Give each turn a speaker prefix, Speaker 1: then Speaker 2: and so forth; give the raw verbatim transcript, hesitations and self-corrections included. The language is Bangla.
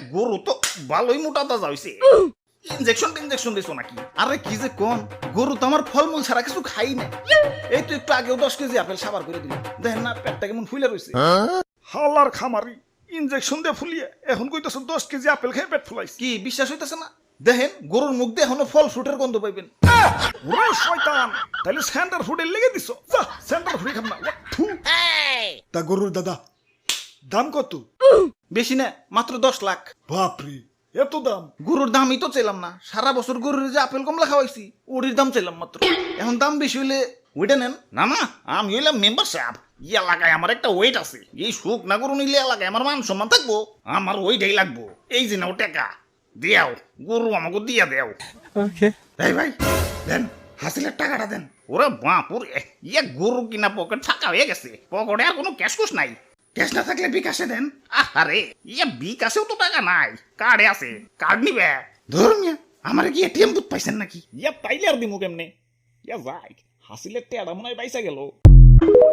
Speaker 1: গরু তো ভালোই মোটা তাজা হইছে ইনজেকশন ইনজেকশন দিছো নাকি আরে কি যে কোন গরু তো আমার ফলমূল ছাড়া কিছু খাই না এই তো একটু আগেও দশ কেজি আপেল সাবার করে দিল দেখেন না পেটটা কেমন ফুলে রয়েছে হালার খামারি ইনজেকশন দিয়ে ফুলিয়ে এখন কইতেছ দশ কেজি আপেল খেয়ে পেট ফুলাইছে কি বিশ্বাস হইতেছে না দেখেন গরুর মুখ দিয়ে এখনো ফল ফ্রুটের গন্ধ পাইবেন ওরে শয়তান তাহলে সেন্টার ফুডের লেগে দিছো যা সেন্টার ফুডে খাম না থু।
Speaker 2: তা গরুর দাদা দাম কত?
Speaker 1: বেশি না মাত্র দশ লাখ
Speaker 2: বাপরে এত দাম!
Speaker 1: গরুর দামই তো চাইলাম না সারা বছর গরুর যে আপেল কমলা খাওয়াইছি ওরির দাম চাইলাম মাত্র এখন দাম বেশি হইলে ওইটা নেন না না আমি হইলাম মেম্বার সাহেব এই এলাকায় আমার একটা ওয়েট আছে এই সুখ না গরু নিলে এলাকায় আমার মান সম্মান থাকবো আমার ওইটাই লাগবো এই যে নাও টাকা দিয়াও গরু আমাকে দিয়া দেও এই ভাই দেন হাসিলের টাকাটা দেন ওরে বাপুর ইয়ে গরু কিনা পকেট ফাঁকা হয়ে গেছে পকেটে আর কোনো ক্যাশ কুশ নাই ক্যাশ না থাকলে বিকাশে দেন আরে ইয়ে বিকাশেও তো টাকা নাই কার্ডে আছে কার্ড নিবে ধর্মিয়া আমার কি এটিএম বুথ পাইছেন নাকি ইয়া পাইলে আর দিমু কেমনে ইয়া যাই হাসিলের টেড়া মনে হয় পাইসা গেল